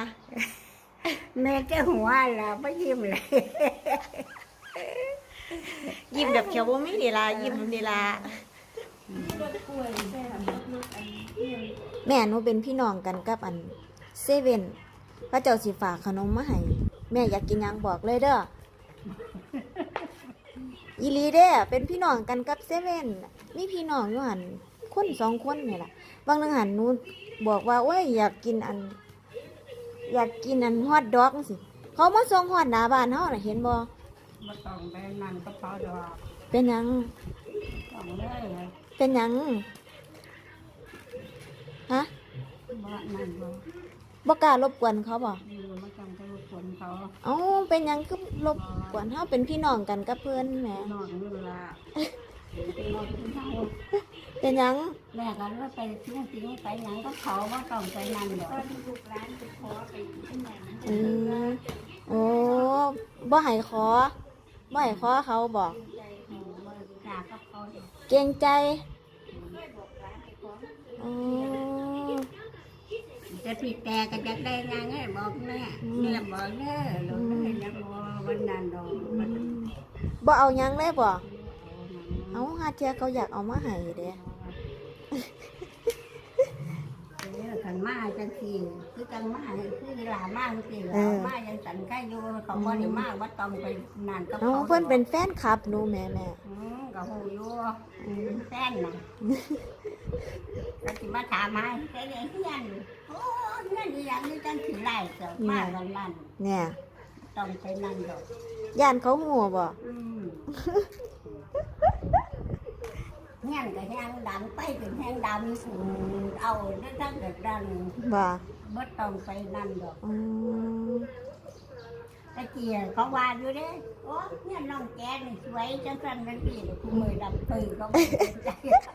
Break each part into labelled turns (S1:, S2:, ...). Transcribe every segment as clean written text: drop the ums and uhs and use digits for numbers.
S1: แม่จะหัวล่ะไม่ยิ้มเลย
S2: ยิ้มแบบเขียวบ่มีนี่ล่ะยิ้มนี่ล่ะแม่หนูเป็นพี่น้องกันกับอันเซเว่นพระเจ้าสิฝากขนมมาให้แม่อยากกินหยังบอกเลยเด้ออีหลีเด้อเป็นพี่น้องกันกับเซเว่นมีพี่น้องอยู่หั่นคน2 คนนี่ล่ะบางนึงหั่นหนูบอกว่าโอ้ยอยากกินอันฮอทดอกจังซี่เขามาส่งฮอดหน้าบ้านเฮาน่ะเห็นบ่
S1: มาต้องไปนั่นก็พอดอก
S2: เป็นหยัง
S1: ต้องเลย
S2: เป็นหยังฮะ
S1: บ้านนั่นบ่
S2: บ่กล้ารบกวนเขาบ่
S1: มาต้องไปรบกวนเขา
S2: เอ้าเป็นหยังคือรบกวนเฮาเป็นพี่น้องกันกับเพิ่นแหม
S1: นอนนี่ล่ะนอนที่เฮา
S2: เป็นหยัง
S1: แม่กันว่าไปทิ้งไปหยังก็เขาว่าต้องไปนั่นดอกลูกร้านไปขอไปที่ไหน
S2: อืมโอ้บ่ให้ขอบ่ให้ขอเขาบอก
S1: ใจบ่กล้ากับเขา
S2: เกรงใจอ๋อ
S1: จะผิดแต่ก็จะได้งานไงบอกแม่แม่บอกเด้อหลวงแม่ยังบ่วันนั้นดอกมัน
S2: บ่เอาหยังเลยบ่เอาหาเที่ยเขาอยากเอามาให้เด้
S1: ขันมาจังซี่คือจังมาคือหลามาจังซี่มายังสันใกล้อยู่เขาบ่ได้มาว่าต้องไปนานกับ
S2: เอา
S1: เขา
S2: เพิ่นเป็นแฟนคลับหนูแม่
S1: ก็ฮู้อยู่เป็นแฟนน่ะก็สิมาถามหาได้เฮียนโอ้เฮียนอีหยังนี่จังสิไล่เจ้ามาวันนั้น
S2: เนี่ย
S1: ต้องไปนั่นดอก
S2: ย่านเขาหัวบ่
S1: เฮียนก็แห้งดังไปถึงแห้งดำเอาได้ทั้งเกิดดัง
S2: บ่
S1: บ่ต้องไปนั่นดอก
S2: อืม
S1: ตะเกียเขาว่าอยู่เด้โอ้เนี่ยน้องแกนี่สวยจังซั่นจังซี่กูมือดำปืนเขาบ่สนใจ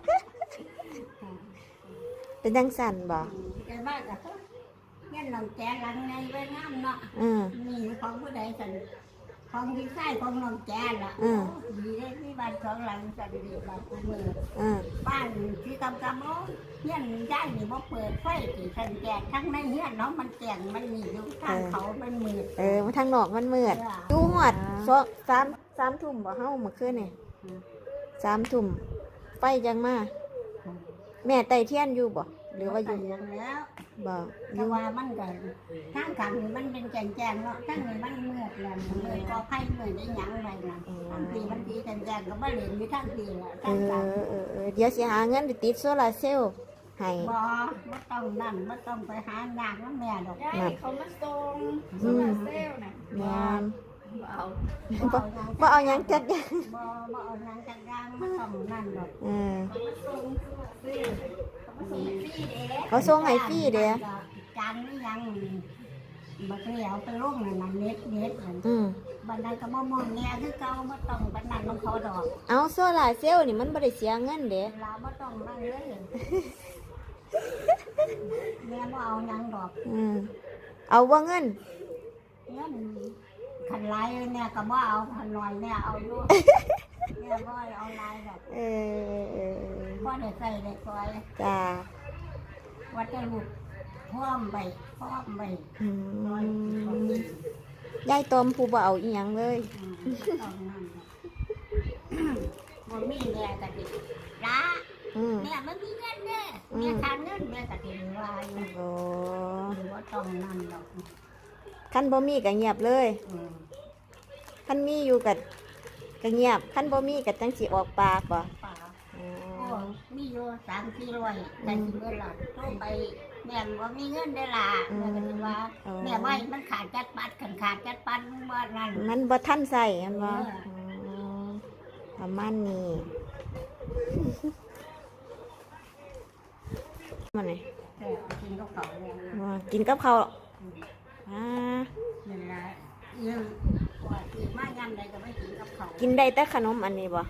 S2: เป็นจังสั่นบ่
S1: แต่ว่าก็เนี่ยน้องแกหลังในไว้งามเนาะ
S2: อืม
S1: นี่ของผู้ใดสั่นของพี่ชายของน้องแกล่ะ
S2: อืม
S1: ดีเลยมีบ้านสองหลังสั่นดีบ้านกูมือ
S2: อืม
S1: บ้านที่กำโอ้เฮียนย่ายนี่บ่เปิดไฟสิสั่นแกทั้งในเฮียนเนาะมันแจ้งมันมีอยู่ทางเขามันมืด
S2: มาทางนอกมันมืดอยู่ฮอด3 ทุ่มบ่เฮาเมื่อคืนนี่3 ทุ่มไฟจังมาแม่ไต่เทียนอยู่บ่หรือว่าอยู่
S1: อย่างแล้ว
S2: บ่อ
S1: แต่
S2: ยู่
S1: ว่ามันก็ทางกลางนี่มันเป็นแจ้งๆเนาะทางนี้มันมืดแล้วมืดก็ไฟมืดได้หยังไว้นะทางทีมันทีแจ้งๆก็บ่เล่นอยู่ทางทีละ
S2: เอ
S1: ทางกลาง
S2: เดี๋ยวสิหาเงินไปติดโซลาร์เซลล์ให้
S1: บ่ต้องนั่นบ่ต้องไปหางานน้ำแม่ดอก
S3: ได้เขามาส่งโซลาร์เซลล์น่ะ
S2: แม่น
S3: เอา
S2: บ่เอาหยังจักอย่าง
S1: บ่เอานางจังกลางบ่ต้องนั่นดอก
S3: เขามาส่งโซลาร์เซลล์เขามาส่งฟรีเด้
S2: เขาส่งให้ฟรีเด้อ
S1: จานนี่ยังบ่เคยเอาไปลงนั่นน่ะเน็ตนั่น บันไดก็บ่มองเนี่ยคือเก่าบ่ต้องปานนั้นมันเขาดอก
S2: เอาโซลาร์เซลล์นี่มันบ่ได้เสียเงินเด้
S1: เวลาบ่ต้องนั่นเลยแม่บ่เอาหยังดอก
S2: เอาบ่เงิน
S1: เงินคันหลายเนี่ยก็บ่เอาคันน้อยเนี่ยเอาอยู่เนี่ยบ่เอาหลายดอก
S2: เออ
S1: บ่ได้ใส่ได้ซอย
S2: จ้า
S1: ว่าจะลูกพร้อมไป
S2: ยายตอมผู้บ่เอาอีหยังเลย
S1: ต้องนั่นบ่มีแม่ก็สิละ แม่มันมีเงินเด้แม่ทานเงินแม่ก็สิว่าอยู่
S2: โอ้
S1: บ่ต้องนั่นดอก
S2: คันบ่มีก็เงียบเลยคันมีอยู่ก็เงียบคันบ่มีก็จังสิออกปากบ่
S1: ป่าโอ้มีอยู่3-400แต่สิเบิดล่ะโทรไปแม่บ่มีเงินได้ล่ะแม่ก็สิว่าแม่ไม่มันขาดจัดปัดขาดจัดปัดบ่นั่น
S2: มันบ่ทันใส่มันบ่ประมาณนี้มันนี่
S1: แต่กินกับเขาเนี่ย
S2: กินกับข้าวอ่า
S1: นี่ล่ะยังว่าสิมายามใดก็ไม่กินกับเขา
S2: กินได้แต่ขนมอันนี้บ่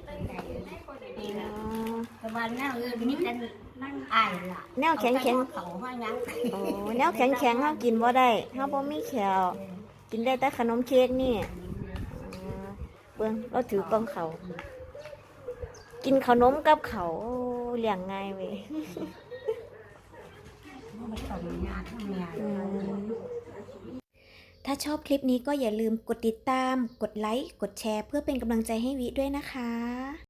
S1: แต่ว่าแนวอื่นนี่กันนั่งอายล่ะ
S2: แนวแข็ง
S1: เขาว่าหยัง
S2: โอ้แนวแข็งเฮากินบ่ได้เฮาบ่มีแขวกินได้แต่ขนมเค้กนี่เบิ่งเราถือกล่องเขาวกินขนมกับเขาวโอ้เลี้ยงง่ายเว้ย
S1: บมันต้องยากทั้งแม่
S2: ถ้าชอบคลิปนี้ก็อย่าลืมกดติดตาม กดไลค์ กดแชร์เพื่อเป็นกำลังใจให้วิด้วยนะคะ